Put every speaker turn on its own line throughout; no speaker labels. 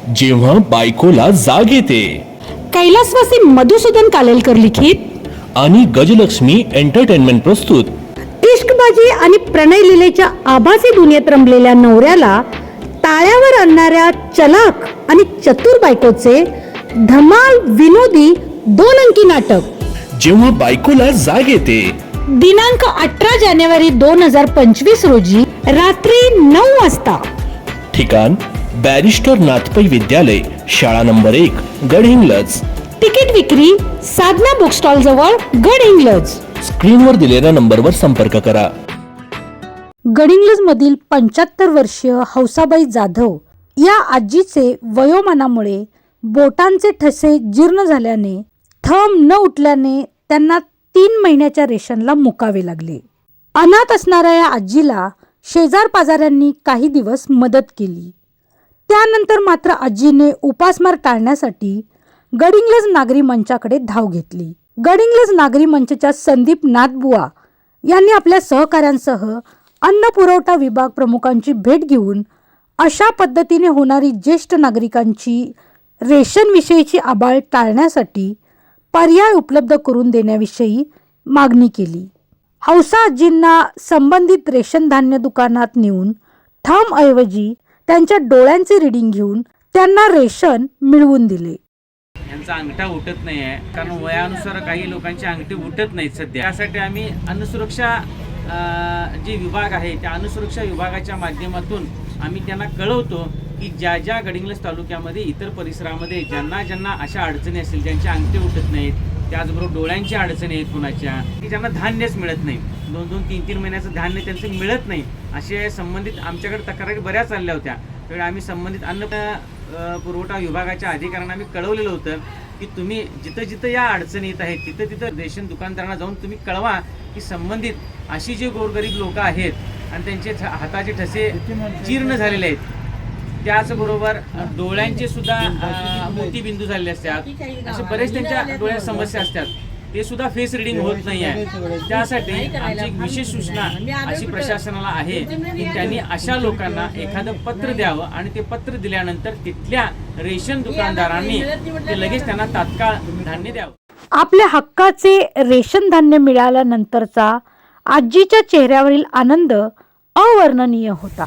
जेव्हा बायकोला जाग येते
कैलासवासी मधुसूदन कालेलकर लिखित
आणि गजलक्ष्मी एंटरटेनमेंट प्रस्तुत
इश्कबाजी आणि प्रणय लीलेच्या आभासी दुनियेत रमलेल्या नवऱ्याला टाळ्यावर आणणाऱ्या चलाख आणि चतुर बायकोचे धमाल विनोदी 2 अंकी नाटक
जेव्हा बायकोला जाग येते
दिनांक 18 जानेवारी 2025 रोजी रात्री 9 वाजता.
ठिकाण बॅरिस्टर नाथपै विद्यालय, शाळा नंबर 1, गडहिंग्लज.
तिकीट विक्री साधना बुक स्टॉल जवळ, गडहिंग्लज.
स्क्रीनवर दिलेल्या नंबरवर संपर्क करा.
गडिंग्लज मधील 75 वर्षीय हौसाबाई जाधव या आजीचे वयोमानामुळे बोटांचे ठसे जीर्ण झाल्याने थंब न उठल्याने त्यांना 3 महिन्याच्या रेशनला मुकावे लागले. अनाथ असणाऱ्या या आजीला शेजार पाजाऱ्यांनी काही दिवस मदत केली. त्यानंतर मात्र आजीने उपासमार टाळण्यासाठी गडिंग्लज नागरी मंचाकडे धाव घेतली. गडिंग्लज नागरी मंचच्या संदीप नाथबुवा यांनी आपल्या सहकाऱ्यांसह अन्न पुरवठा विभाग प्रमुखांची भेट घेऊन अशा पद्धतीने होणारी ज्येष्ठ नागरिकांची रेशनविषयीची आबाळ टाळण्यासाठी पर्याय उपलब्ध करून देण्याविषयी मागणी केली. हौसा आजींना संबंधित रेशन धान्य दुकानात नेऊन थंबऐवजी त्यांच्या डोळ्यांचे रिडिंग घेऊन त्यांना रेशन मिळवून दिले.
यांचा अंगठा उठत नाही आहे, कारण वयानुसार काही लोकांची अंगठी उठत नाहीत सध्या. त्यासाठी आम्ही अन्नसुरक्षा जे विभाग आहे त्या अन्नसुरक्षा विभागाच्या माध्यमातून आम्ही त्यांना कळवतो की ज्या ज्या गडिंग्लज तालुक्यामध्ये इतर परिसरामध्ये ज्यांना अशा अडचणी असतील, ज्यांचे अंगठे उठत नाहीत, त्याचबरोबर डोळ्यांची अडचणी आहेत कुणाच्या, की ज्यांना धान्यच मिळत नाही, 2-2, 3-3 महिन्याचं धान्य त्यांचं मिळत नाही, असे संबंधित आमच्याकडे तक्रारी बऱ्याच आल्या होत्या. त्यावेळी आम्ही संबंधित अन्न पुरवठा विभागाच्या अधिकाऱ्यांना आम्ही कळवलेलं होतं की तुम्ही जिथं जिथं या अडचणी येत आहेत तिथं तिथं रेशन दुकानदारांना जाऊन तुम्ही कळवा की संबंधित अशी जे गोरगरीब लोक आहेत आणि त्यांचे हाताचे ठसे जीर्ण झालेले आहेत, त्याचबरोबर डोळ्यांचे सुद्धा मोतीबिंदू झालेले असतात, असे बरेच त्यांच्या डोळ्यात समस्या असतात, ते सुद्धा फेस रिडिंग होत नाही आहे. त्यासाठी आमची एक विशेष सूचना अशी प्रशासनाला आहे की त्यांनी अशा लोकांना एखादं पत्र द्यावं आणि ते पत्र दिल्यानंतर तिथल्या रेशन दुकानदारांनी ते लगेच त्यांना तात्काळ धान्य द्यावं.
आपल्या हक्काचे रेशन धान्य मिळाल्यानंतरचा आजीच्या चेहऱ्यावरील आनंद अवर्णनीय होता.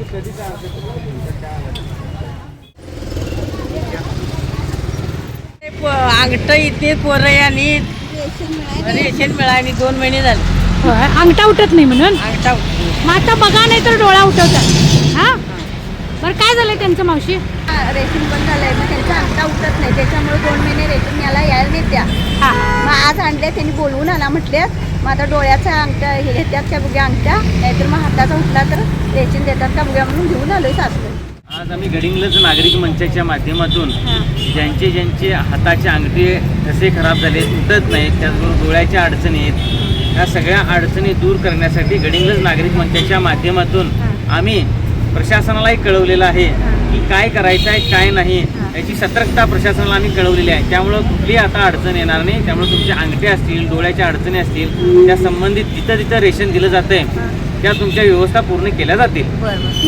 अंगठ इथे पोरं आणि रेशन मिळाली 2 महिने झाले.
अंगठा उठत नाही म्हणून
अंगठा
मग आता बघा, नाही तर डोळा उठवतात. हा बरं, काय झालंय त्यांचं मावशी?
रेशन बंद झालंय, मग त्यांचा अंगठा उठत नाही, त्याच्यामुळे 2 महिने रेशन यायला नाही त्या. मग आज आणले त्यांनी, बोलवून आणा म्हटले. मग आता डोळ्याचा अंगठा हे घेतात का बघ्या अंगठा, नाहीतर मग हाताचा उठला तर रेशन देतात का बघ्या म्हणून घेऊन आलोय सासू.
आज आम्ही गडिंग्लज नागरिक मंचाच्या माध्यमातून ज्यांचे हाताचे अंगठे ठसे खराब झाले, उठत नाहीत, त्याचबरोबर डोळ्याच्या अडचणी आहेत, ह्या सगळ्या अडचणी दूर करण्यासाठी गडिंग्लज नागरिक मंचाच्या माध्यमातून आम्ही प्रशासनालाही कळवलेलं आहे की काय करायचं आहे काय नाही याची सतर्कता प्रशासनाला आम्ही कळवलेली आहे. त्यामुळं कुठलीही आता अडचण येणार नाही. त्यामुळे तुमचे अंगठे असतील, डोळ्याच्या अडचणी असतील, त्या संबंधित जिथं जिथं रेशन दिलं जातं आहे त्या तुमच्या व्यवस्था पूर्ण केल्या जातील.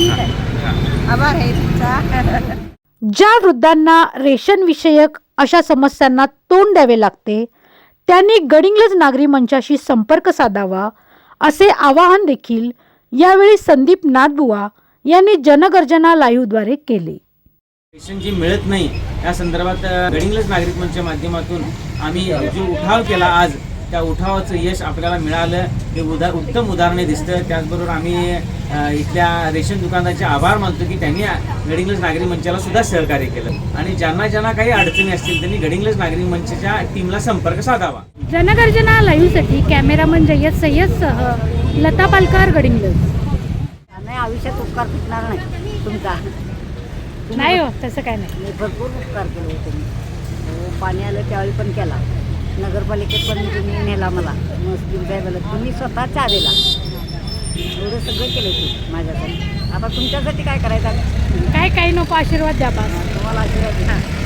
आभार आहे तुमचा.
ज्या वृद्धांना रेशन विषयक अशा समस्यांना तोंड द्यावे लागते त्यांनी गडिंग्लज नागरी मंचाशी संपर्क साधावा असे आवाहन देखील यावेळी संदीप नाथबुवा यांनी जनगर्जना लाईव्हद्वारे केले.
रेशन जी मिळत नाही या संदर्भात गडिंग्लज नागरिक मंचच्या माध्यमातून आम्ही जो उठाव केला, आज त्या उठावाचं यश आपल्याला मिळालं हे उत्तम उदाहरणे दिसतं. त्याचबरोबर आम्ही इथल्या रेशन दुकानदाराचे आभार मानतो की त्यांनी गडिंग्लज नागरिक मंचाला सुद्धा सहकार्य केलं आणि ज्यांना काही अडचणी असतील त्यांनी गडिंग्लज नागरिक मंचच्या टीमला संपर्क साधावा.
जनगर्जना लाईव्हसाठी कॅमेरामन जय्यद सय्यदसह लता पालकर, गडिंग्लज.
नाही, आयुष्यात उपकार फिटणार नाही तुमचा.
नाही हो, तसं काय नाही.
मी भरपूर उपकार केले तुम्ही. पाणी आलं त्यावेळी पण केला, नगरपालिकेत पण तुम्ही नेला मला, मुस्लिम काय झालं तुम्ही स्वतः चहा दिला, एवढं सगळं केलं तुम्ही माझ्यासाठी. आता तुमच्यासाठी काय करायचं?
काय काही नको, आशीर्वाद द्या बा.
तुम्हाला आशीर्वाद द्या.